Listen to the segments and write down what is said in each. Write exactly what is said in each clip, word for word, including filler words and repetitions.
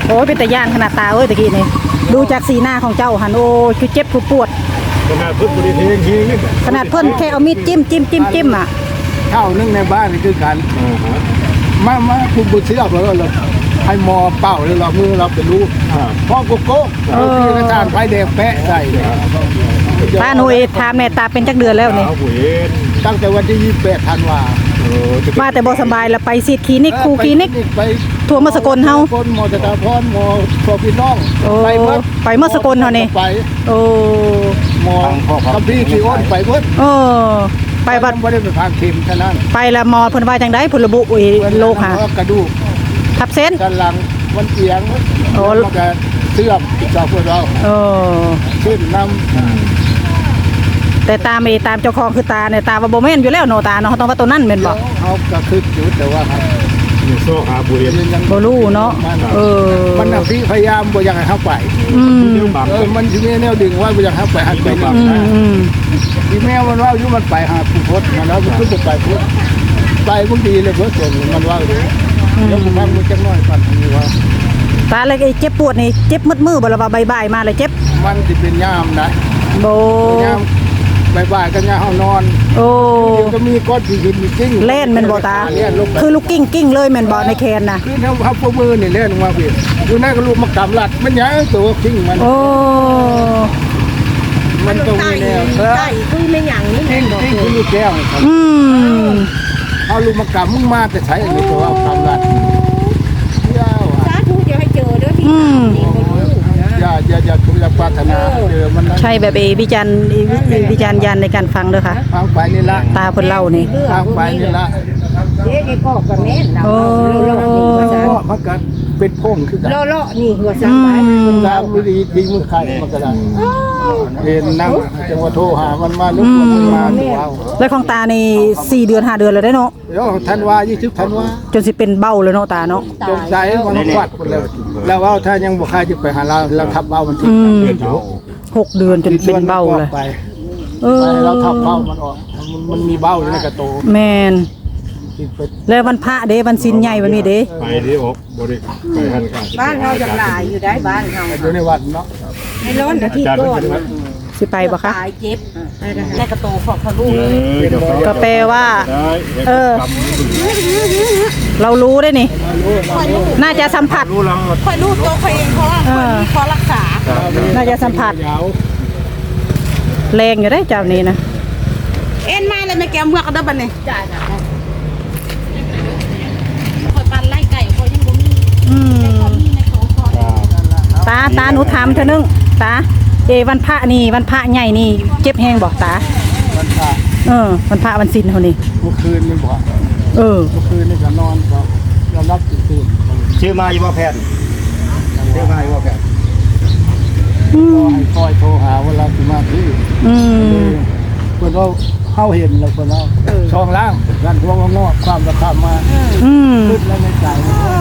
โอ้ยเป็นตะย่านขนาดตาเอ้ยตะกี้นี่ดูจากสีหน้าของเจ้าหันโอ้คือเจ็บคือปวดขนาดเพิ่นบริเทงทีนี่ขนาดเพิ่นแค่เอามีดจิ้มจิ้มจิ้มจิ้มอ่ะเท่านึงในบ้านนี่คือกันมามาคุณบุญเสียบแล้วเราให้มอเป่าเลยเรามือเราเป็นลูกพ่อโกโก้ที่กระจานไฟแดงแปะใส่ตาหนูเอทามแม่ตาเป็นจักเดือนแล้วนี่ตั้งแต่วันที่ยี่สิบแปดธันวามาแต่บ่สบายแล้วไปซีดคลินิกครูคลินิกไปทั่วมาสกลเฮาคนหมอตาพรหมอพอพี่น้องไปเมื่อไปเมื่อสกลเฮานี่ไปโอ้หมอกับพี่ที่อ้นไปเพิ่นเออไปบัดบ่ได้ไปทางเข็มเท่านั้นไปละหมอเพิ่นว่าจังได๋เพิ่นระบุโรคหากระดูกทับเส้นสันหลังมันเอียงโอ้แล้วก็เสื่อมจากพวกเราเออขึ้นน้ำแต่ตามเอตามเจ้าของคือตาเนี่ยตาว่าบ่แม่นอยู่แล้วโนตาเนาะต้องว่าตัวนั้นแม่นบ่เฮาก็คืออยู่แต่ว่าครับอยู่โซหาบุรีบ่รู้เนาะเออมันน่ะพี่พยายามบ่อยากให้เฮาไปอืมเออมันสิมีแนวดึงว่าบ่อยากให้เฮาไปหันไปนี่อืมอีแมวมันว่าอยู่มันไปหาผู้พจน์มันแล้วมันขึ้นไปพุทธไปบ่ดีเลยเพิ่นส่งมันว่าอยู่แล้วผมฟังมันจักน้อยปันนี่ว่าตาเลยไอ้เจ็บปวดนี่เจ็บมืดๆบ่ล่ะว่าบ่ายๆมาเลยเจ็บมันสิเป็นยามนะโบยามบ่ายๆกันยามเฮานอนโอ้ก็มีก้อนที่หินมีกิ้งเล่นแม่นบ่ตาคือลูกกิ้งกิ้งเลยแม่นบ่ในแคนน่ะคือเฮาเฮาพวกมือนี่เล่นมาพี่อยู่นั่นก็ลูกมากำลัดมันหยังตัวกิ้งมันโอ้มันตรงนี้แนวใช่คือไม่หยังนี่กิ้งกิ้งคือลูกแก้วอืมเอาลูกมากำมึงมาแต่ใช้อันนี้ตัวกำลัดสาธุจะให้เจอเด้อที่อย่าอย่าอย่าคุณอย่าปรารถนาเจอมันใช่แบบเอวิจารณ์วิจารณ์ยันในการฟังเด้อค่ะฟังไปนี่ละตาเพิ่นเล่านี่ฟังไปนี่ละเด็กก็ก็แม่นเราโอ้มันก็เป็นพงคือกันเลาะๆนี่หัวซักไปตามวิธีทิ้งมือใครมันก็ได้เห็นนั่งจังหวะโทรหามันมาลุกมันมาดูเอาแล้วของตานี่สี่เดือนห้าเดือนแล้วได้เนาะเดี๋ยวธันวายี่สิบธันวาจนสิเป็นเบ้าเลยเนาะตาเนาะจงใจมันควัดหมดแล้วแล้วว่าถ้ายังบ่ใครจะไปหาเราเราทับเบ้ามันทิ้งหกเดือนจนเป็นเบ้าเลยเออเราทับเบ้ามันออกมันมีเบ้าอยู่ในกระโตแม่นแล้ววันพระเด้วันศีลใหญ่วันนี้เด้ไปดิออกบ่ได้ไปหันกันบ้านเราจังหลายอยู่ได้บ้านเฮาอยู่ในวัดเนาะในร้อนอาทิตย์ก่อนสิไปบ่คะตายเจ็บในกระโตของทะลุก็แปลว่าเออเรารู้ได้นี่น่าจะสัมผัสค่อยรู้ตัวค่อยเองเพราะว่าพอรักษาน่าจะสัมผัสแรงอยู่ได้เจ้านี้นะเอ็นมาเลยแม่แก้วเมือกกันได้บัดนี้จ่ายนะคอยปันไล่ไก่คอยยังบ่มีอืมตาตาหนูถามเธอนึงตาเอวันพระนี่วันพระใหญ่นี่เจ็บแห้งบอกตาวันพระเออวันพระวันศีลเฮานี่เมื่อคืนนี่บ่เออเมื่อคืนนี่ก็นอนก็ยอมรับตื่นชื่อมาอยู่บ่แพทย์ชื่อมาอยู่บ่แพทย์อืมให้คอยโทรหาเวลาสิมาที่อืมเพิ่นว่าเฮาเห็นแล้วเพิ่นเอาช่องล่างกันทั่วงอกความราคามาอืมขึ้นแล้วในใจ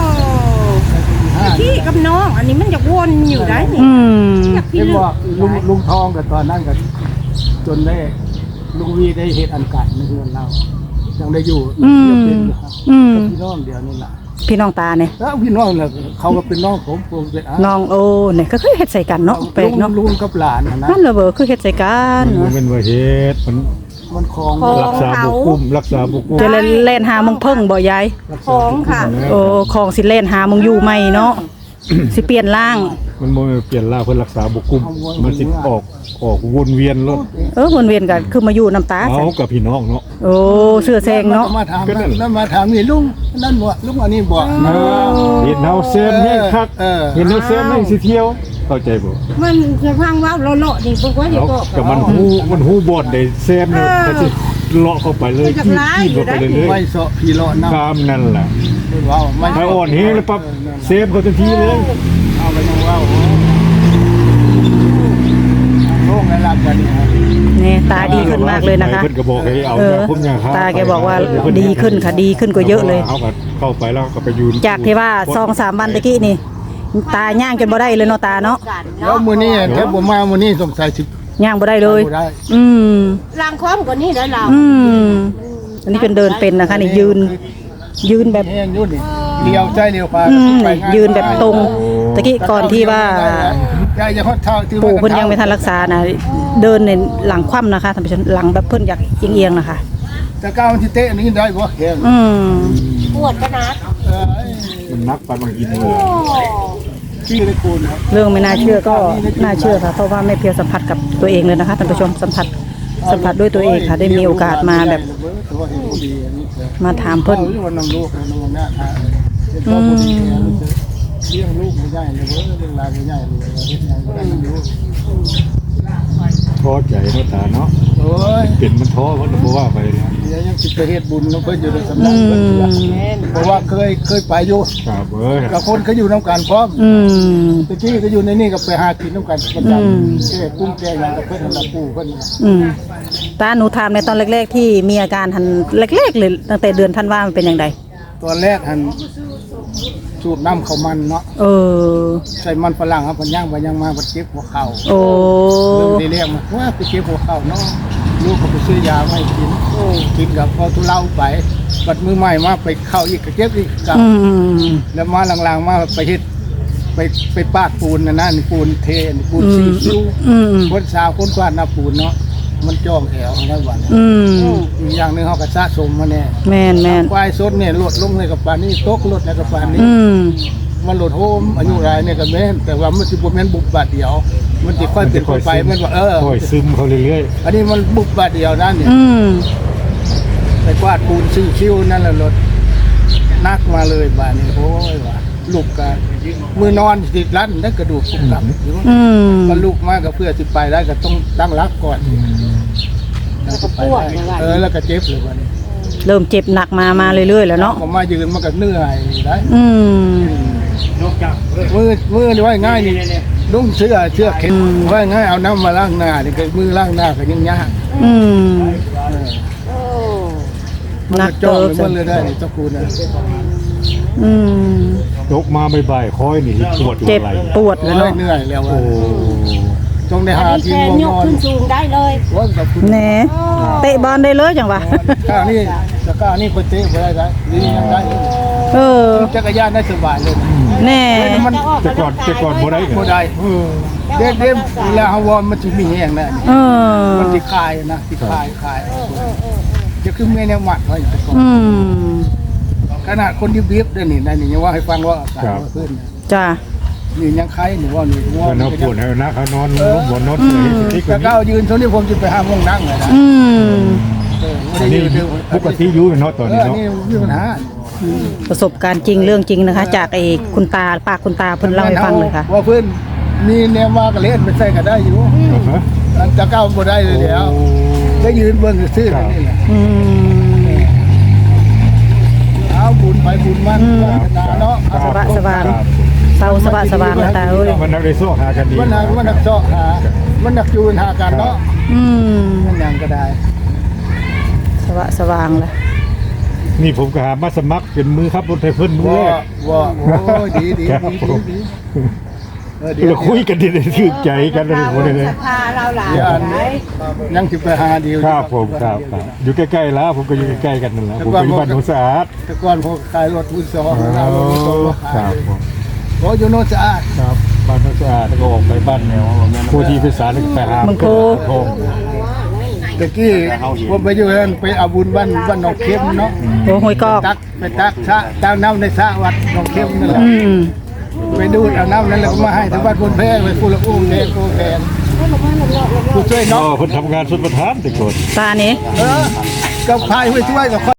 พี่กับน้องอันนี้มันจะวนอยู่ได้นี่พี่บอกลุงลุงทองกับตอนนั้นกันจนได้ลุงวีได้เหตุอันกัดในเรือนเรายังได้อยู่พี่น้องเดียวนี่แหละพี่น้องตาเนี่ยแล้วพี่น้องเนี่ยเขาก็เป็นน้องผมผมเป็นน้องโอ้เนี่ยก็คือเฮ็ดใส่กันเนาะแปลกเนาะลุงกับหลานนะนั่นเลยเบอร์คือเฮ็ดใส่กันมันเป็นว่าเฮ็ดมันมันคลองรักษาบุกุมรักษาบุกุมจะเล่นหามึงเพิ่งบ่ยายของค่ะโอ้ของสิเล่นหามึงอยู่ใหม่เนาะสิเปลี่ยนร่างมันบ่เปลี่ยนร่างเพื่อรักษาบุกุมมันสิออกออกวนเวียนรถเออวนเวียนกันคือมาอยู่น้ำตาเอากับพี่น้องเนาะโอ้เสื้อแซงเนาะมาถามนั่นมาถามนี่ลุงนั่นบ่ลุงอันนี้บ่เห็นเฮาเซมนี่คักเห็นเฮาเซมนี่สิเที่ยวเข้าใจบ่มันจะพังว่าเลาะๆนี่บ่ว่าอย่าบอกกับมันฮู้มันฮู้บ่ได้เซมนี่ก็สิเลาะเข้าไปเลยขี้ขี้เข้าไปเลยไม่เสาะพี่เลาะน้ำตามนั่นแหละว้าวไม่อ่อนเฮแล้วปั๊บเซฟเขาทันทีเลยเอาไปยังว้าวโล่งแล้วรับกันนี่ตาดีขึ้นมากเลยนะคะเออตาแกบอกว่าดีขึ้นค่ะดีขึ้นกว่าเยอะเลยเข้าไปแล้วก็ไปยืนจากที่ว่าสองสามวันตะกี้นี่ตาย่างจนบ่ได้เลยเนาะตาเนาะแล้วมื้อนี้แค่บ่มามื้อนี้สงสัยสิย่างบ่ได้เลยอืมล้างความกว่านี้ได้ล่ะอืมอันนี้เป็นเดินเป็นนะคะนี่ยืนยืนแบบแห้งอยู่นี่เลี้ยวใจเลี้ยวขวายืนแบบตรงตะกี้ก่อนที่ว่ายายจะฮอดเท่าที่ปู่เพิ่นยังไม่ทันรักษานะเดินในหลังคว่ำนะคะท่านผู้ชมหลังแบบเพิ่นอยากเอียงๆนะคะจะก้าวมันที่เตะนี่ได้บ่แข็งอืมปวดก็นะเอ้ยมันนักไปบางอินเลยที่ได้คูณครับเรื่องไม่น่าเชื่อก็น่าเชื่อค่ะเพราะว่าแม่เพียวสัมผัสกับตัวเองเลยนะคะท่านผู้ชมสัมผัสสัมผัสด้วยตัวเองค่ะได้มีโอกาสมาแบบมาถามเพิ่นวันน้ำลูกน้ำหน้าทางเลี้ยงลูกไม่ได้เลยเว้ยเรื่องราวไม่ได้เลยเฮ็ดยังได้ลูกท้อใจเนาะตาเนาะโอ้ยเปลี่ยนมันท้อมันบ่ว่าไปนะเดี๋ยวยังสิไปเฮ็ดบุญน้องเพิ่นอยู่ในสำนักเพิ่นเพราะว่าเคยเคยไปอยู่ครับเอ้ยกับคนเขาอยู่น้ำกันพร้อมอืมตะกี้ก็อยู่ในนี่ก็ไปหากินน้ำกันประจำแก่กุ้งแก่อะไรกับเพื่อนกับปู่เพื่อนอืมตาหนูถามในตอนแรกๆที่มีอาการทันแรกๆเลยตั้งแต่เดือนธันวามันเป็นอย่างไรตอนแรกหันสูบน้ำเขามันเนาะเออใส่มันฝรั่งครับมันย่างไปย่างมาบัดเจ็บหัวเข่าโอ้เริ่มได้เรียกมาว่าไปเจ็บหัวเข่าเนาะลูกก็ไปซื้อยาไม่กินกินกับพอทุเลาไปบัดมือใหม่มาไปเข้าอีกก็เจ็บอีกกับอืมแล้วมาหลังๆมาไปเฮ็ดไปไปปาดปูนนะนะนี่ปูนเทนี่ปูนอืซีมซิวอืมคนสาวคนกวาดหน้าปูนเนาะมันจ้องแถวทั้งวันอืมอีกอย่างหนึงเขาก็สะสมมาแน่แม่นแม่นควายสดเนี่ยลดลงในกับปานนี้ตกลดในกับปานนี้อืมมันลดโฮมอายุรายเนี่ยก็แม่นแต่ว่ามันสิบ่แม่นบุบบาดเดียว มันสิค่อยเป็นค่อยไปมันว่าเออค่อยซึมเขาเรื่อยอันนี้มันบุบบาดเดียวนั่นเนี่ยอืมไปกวาดปูนซื้อคิ้วนั่นแหละรถนักมาเลยบาดนี้โอ้ยว่าลูกก็มือนอนติดรันได้กระดูกกุกกับอยู่อืมก็ลูกมาก็เพื่อสิไปได้ก็ต้องตั้งรับก่อนแล้วก็ปวดเออแล้วก็เจ็บเลยวันนี้เริ่มเจ็บหนักมามาเรื่อยๆแล้วเนาะก็มายืนมันก็เหนื่อยได้อืมมือมือนี่ว่าง่ายนี่นุ่งเสื้อเสื้อเข็นว่าง่ายเอาน้ำมาล้างหน้านี่ก็มือล้างหน้าก็ยังยากอืมมันหนักจ้องเกินมันเลยได้นี่เจ้าคุณนะอืมๆยกมาบ่ายๆค่อยนี่ปวดอยู่เจ็บไหล่ปวดเลยเหนื่อยเนาะเหนื่อยแล้วโอ้ว่าต้องได้หาที่แค่ง่วงยนกอนขึ้นสูงได้เลยว่ากับคุณแหน่เตะบอลได้เลยจังวะข้าวนี่ตะก้านี่คนเตะไปได้ได้นี่ยังได้เออจักรยานได้สบายเลยแน่มันแต่ก่อนแต่ก่อนบ่ได้กันบ่ได้เด็กเด็กเวลาเฮาวอร์มมันจะมีแห้งนะเออมันสิคายนะสิคายคายจะคือแม่แนวหมัดไว้แต่ก่อนอืมขนาดคนที่เบียบด้วยนี่นะนี่ยังว่าให้ฟังว่าอากาศว่าขึ้นนะจ้านี่ยังไข้หรือว่านี่ว่าก็เนาะปวดให้นะเขานอนลงบนนอนเลยที่จะก้าวยืนเท่านี้ผมจะไปห้ามงนั่งเลยนะอืมเอออันนี้ปกติอยู่เนาะตอนเอนี้อเนาะนี่มีปัญหาประสบการณ์จริงเรื่องจริงนะคะ จากไอ้คุณตาปากคุณตาเพิ่นเล่าให้ฟังเลยค่ะว่าเพื่อนมีแนวว่าก็เล่นไปใส่ก็ได้อยู่อันจะก้าวบ่ได้เลยเดี๋ยวได้ยืนเบิ่งซื่อๆนี่แหละอืมเอาบุญไปบุญมันเนาะสบายสบายเศร้าสบายสบายนะตาเอ้ยมันนักได้โซ่หากันดีมันนักมันนักเจาะหามันนักจูนหากันเนาะอืมมันยังก็ได้สว่างสว่างเลยนี่ผมก็หามาสมัครเป็นมือครับรถไฟเพิ่นมือว่าแรกว่าโอ้ยดีดีครับดีผมดีเออเดี๋ยวเราคุยกันดีๆถือใจกันเลยคนเลยพาเราหลานเดี๋ยวอันยังสิไปหาเดียวครับผมครับครับอยู่ใกล้ๆแล้วผมก็อยู่ใกล้ๆกันนั่นแหละผมเป็นบ้านหนองสะอาดแต่ก่อนพวกขายรถมือสองอ๋อเรารถมือสองมาคขารัยบผมโอ้ยอยู่โนนสะอาดครับบ้านหนองสะอาดแล้วก็ออกไปบ้านแนวผู้ที่พิสารไปหามังโคทองตะกี้ผมไปอยู่นั่นไปเอาบุญบ้านบ้านหนองเข้มเนาะโอ้หวยกอกตักไปตักสระตั้งน้ำในสระวัดหนองเข้มนั่นแหละอืมไปดูดเอาน้ำนั้นแล้วก็มาให้ทางบ้านคนแพงไปผู้ละอุ้มแดงโกแพงผู้ช่วยอ๋เนาะอเพิ่นทำงานสุดประทานแต่ก่อนตานี้เออกับพายไปช่วยกับ